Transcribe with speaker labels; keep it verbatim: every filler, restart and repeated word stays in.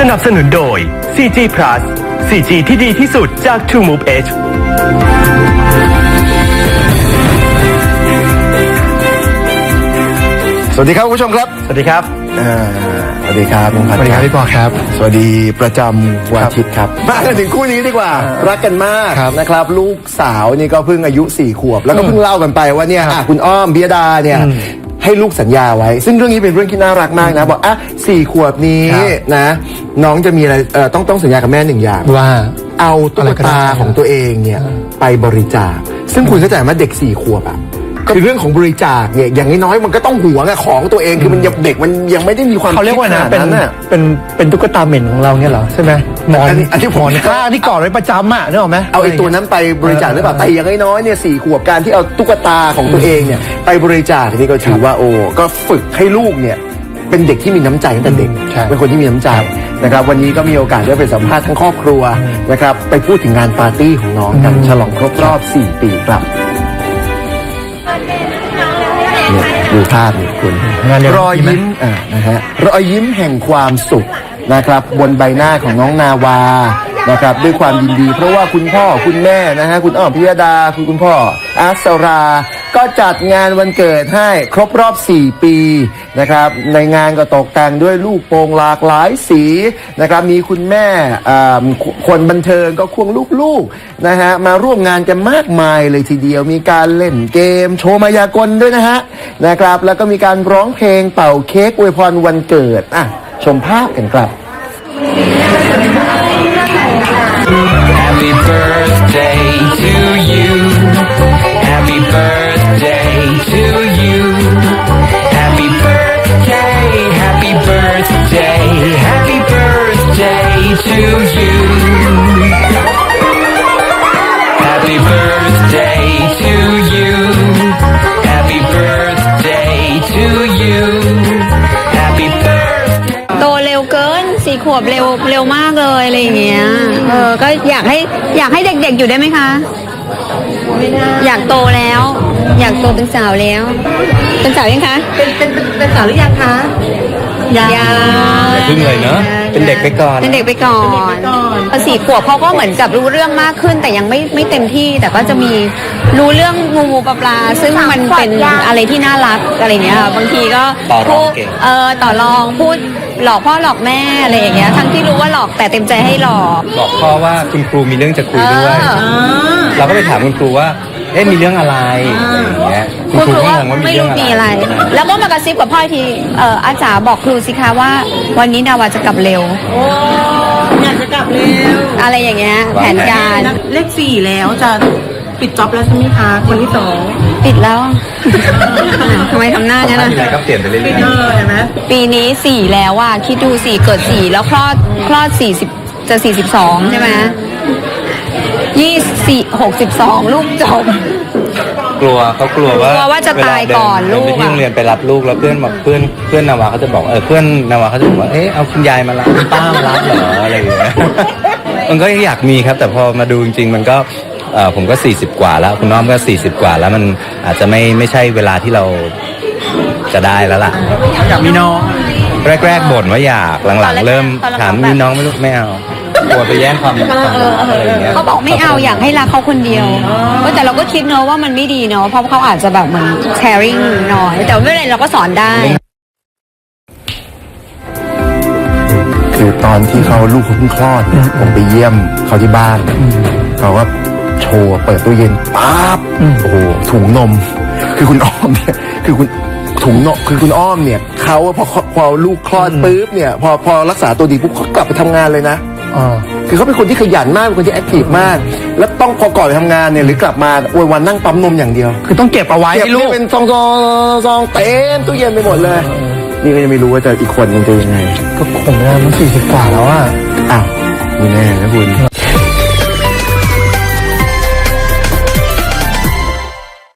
Speaker 1: นับสนุนโดย ซี จี Plus ซี จี ที่ดีที่สุดจาก True Move Edge
Speaker 2: สวัสดีครับคุณผู้ชมครับ
Speaker 1: สวัสดีครับ
Speaker 2: อ่าสวัสดีครับน้องพัด
Speaker 3: สวัสดีครับพี่ปอครับ
Speaker 2: สวัสดีประจำวันอาทิตย์ครับมาถึงคู่นี้ดีกว่า รักกันมาก
Speaker 3: ครับ
Speaker 2: นะครับ ลูกสาวนี่ก็เพิ่งอายุสี่ขวบ แล้วก็เพิ่งเล่ากันไปว่าเนี่ยอ่ะคุณอ้อมพิยดาเนี่ยให้ลูกสัญญาไว้ ซึ่งเรื่องนี้เป็นเรื่องที่น่ารักมากนะบอกอ่ะสี่ขวบนี้
Speaker 3: ครับ
Speaker 2: นะ น้องจะมีอะไรเอ่อต้องต้องสัญญากับแม่หนึ่งอย่าง
Speaker 3: ว่า
Speaker 2: เอาตุ๊
Speaker 3: อะไร
Speaker 2: ก
Speaker 3: ก็ได้
Speaker 2: ตาของตัวเองเนี่ยไปบริจาค ซึ่งคุณเข้าใจไหมเด็กสี่ขวบอ่ะคือเรื่องของบริจาคเนี่ยอย่างน้อยๆมันก็ต้องหวงอะของตัวเองคือมันยังเด็กมันยังไม่ได้มีความ
Speaker 3: เขาเรียกว่า
Speaker 2: คิด
Speaker 3: นะ
Speaker 2: ข
Speaker 3: เป็น
Speaker 2: ดน่ะ
Speaker 3: เป็นเป็นตุ๊กตาเหม็นของเราเนี่ยเหรอใช่ไหมหมอน
Speaker 2: อันนี้อันนี้ผม
Speaker 3: หมอนข้างที่กอดไว้ประจำอ่ะนึกออกไหม
Speaker 2: เอาไอ้ตัวนั้นไปบริจาคหรือเปล่าแต่อย่างน้อยๆเนี่ยสี่ขวบการที่เอาตุ๊กตาของตัวเองเนี่ยไปบริจาคนี่ก็ถือว่าโอ้ก็ฝึกให้ลูกเนี่ยเป็นเด็กที่มีน้ำใจตั้งแต่เด็ก
Speaker 3: ใช่
Speaker 2: เป็นคนที่มีน้ำใจนะครับวันนี้ก็มีโอกาสได้ไปสัมภาษณ์ทั้งครอบครัวนะครับไปพูดถึงงานปาร์ตี้ของน้องกันฉลองครบรอบสี่ปีครับเนี่ยดูภาพนี่คุณ
Speaker 3: งานเร็ว
Speaker 2: รอยยิ้มอ่านะฮะรอยยิ้มแห่งความสุขนะครับบนใบหน้าของน้องนาวานะครับด้วยความยินดี เพราะว่าคุณพ่อคุณแม่นะฮะคุณอ้อมพิยดาคุณคุณพ่ออาสรา ก็จัดงานวันเกิดให้ครบรอบสี่ปีนะครับในงานก็ตกแต่งด้วยลูกโป่งหลากหลายสีนะครับมีคุณแม่อ่าคนบันเทิงก็ควงลูกๆนะฮะมาร่วมงานกันมากมายเลยทีเดียวมีการเล่นเกมโชว์มายากลด้วยนะฮะนะครับแล้วก็มีการร้องเพลงเป่าเค้กอวยพรวันเกิดอ่ะชมภาพกันครับ
Speaker 4: Happy birthday to you. Happy birthday to you. Happy birthday, happy birthday, happy birthday to you. Happy birthday to you. Happy birthday to you. Happy birthday.
Speaker 5: โตเร็วเกินสี่ขวบเร็วเร็วมากเลยอะไรอย่างเงี้ยเออก็อยากให้อยากให้เด็กๆอยู่ได้ไหมคะอยากโตแล้ว อยากโตเป็นสาวแล้ว เป็นสาวยังคะ
Speaker 6: เป็นเป็นเป็นเป็นสาวหรือยังคะยัง
Speaker 5: ยัง
Speaker 3: อย่าพึ่งเลยเนอะเป็นเด็กไปก่อน
Speaker 5: เป็นเด็กไปก่อนพอสี่ขวบเขาก็เหมือนกับรู้เรื่องมากขึ้น แต่ยังไม่ไม่เต็มที่ แต่ก็จะมีรู้เรื่องงูงูปลาปลาซึ่งมันเป็นอะไรที่น่ารักอะไรเงี้ยค่ะบางทีก็
Speaker 3: ต่อรอง
Speaker 5: พูด
Speaker 3: เก่ง
Speaker 5: เออต่อรองพูดหลอกพ่อหลอกแม่อะไรอย่างเงี้ยทั้งที่รู้ว่าหลอกแต่เต็มใจให้หลอก
Speaker 7: บอกพ่อว่าคุณครูมีเรื่องจะคุยด้วย
Speaker 5: เออ
Speaker 7: เราก็ไปถามคุณครูว่า เอ๊ะมีเรื่องอะไรอะไรอย่างเงี้ย
Speaker 5: คุณครู
Speaker 7: ก็
Speaker 5: ว่าง
Speaker 7: งว่า
Speaker 5: ไม่
Speaker 7: เรื่
Speaker 5: รู้
Speaker 7: อง
Speaker 5: มีอะไร แล้วก็มากระซิบกับพ่ออีกทีเอออาจารย์บอกครูสิคะว่าวันนี้นาวาจะกลับเร็ว
Speaker 6: โอ้อยากจะกลับเร็ว
Speaker 5: อะไรอย่างเงี้ยแผนการ
Speaker 6: นับเลขสี่แล้วจะปิดจ็อบแล้วใช่ไหมคะคนที่สอง
Speaker 5: ปิดแล้ว ทำไมทำหน้างั้น
Speaker 7: มีอะไร
Speaker 5: อะ
Speaker 7: ก็เปลี่ยนไปเรื่อย
Speaker 6: เออเห็นไหม
Speaker 5: ปีนี้สี่แล้วอ่ะคิดดูสี่เกิดสี่แล้วคลอดคลอดสี่สิบจะสี่สิบสองใช่ไหมยี่สี่หกสิบสองลูกจบ
Speaker 7: ๆกลัวเขากลัวว่าก
Speaker 5: ลัวว่าจะตายก่อน
Speaker 7: เวลาเดิ
Speaker 5: ลูก
Speaker 7: ไปที่
Speaker 5: อะ
Speaker 7: โรงเรียนไปรับลูกแล้วเพื่อนบอกเพื่อนเพื่อนนาวาเขาจะบอกเออเพื่อนนาวาเขาจะบอกว่าเอ๊ะเอาคุณยายมารับคุณป้ามารับเหรออะไรอย่างเงี้ย มันก็อยากมีครับ แต่พอมาดูจริงๆมันก็เอ่อผมก็สี่สิบกว่าแล้วคุณน้องก็สี่สิบกว่าแล้วมันอาจจะไม่ไม่ใช่เวลาที่เราจะได้แล้วล่ะ
Speaker 3: อยากมีน้อง
Speaker 7: แรกๆบ่นว่าอยากหลังๆ เริ่มถามมีน้องไหม่ลูกไม่เอากลัวไปแย่งความความอะไรอย่างเงี้ย
Speaker 5: เขาบอกไม่เอาอยากให้รักเขาคนเดียวเออแต่เราก็คิดเนอะว่ามันไม่ดีเนอะเพราะเขาอาจจะแบบเหมือน sharing น้อยแต่ไม่เป็นไรเราก็สอนได้
Speaker 2: คือตอนที่เขาลูกเขาเพิ่งคลอดเนี่ยผมไปเยี่ยมเขาที่บ้านเขาก็โชว์เปิดตู้เย็นปั๊บโอ้โหถุงนม คือคุณอ้อมเนี่ยคือคุณถุงนมคือคุณอ้อมเนี่ยเขาพอพอลูกคลอดปุ๊บเนี่ยพอพอรักษาตัวดีปุ๊บเขากลับไปทำงานเลยนะ
Speaker 3: อ่า
Speaker 2: คือเขาเป็นคนที่ขยันมากเป็นคนที่แอคทีฟมาก แล้วต้องพอก่อนไปทำงานเนี่ยหรือกลับมาวันวันนั่งปั๊มนมอย่างเดียว
Speaker 3: คือต้องเก็บเอาไว้
Speaker 2: เก็บ
Speaker 3: ให้ลู
Speaker 2: นี่
Speaker 3: ก
Speaker 2: เป็นซองซองซองเต็มตู้เย็นไปหมดเลย นี่ก็ยังไม่รู้ว่าจะอีกคนมันจะยังไง
Speaker 3: ก็คงนะมันสี่สิบกว่าแล้วอ่ะ
Speaker 2: อ้าวมีแน่นะคุณ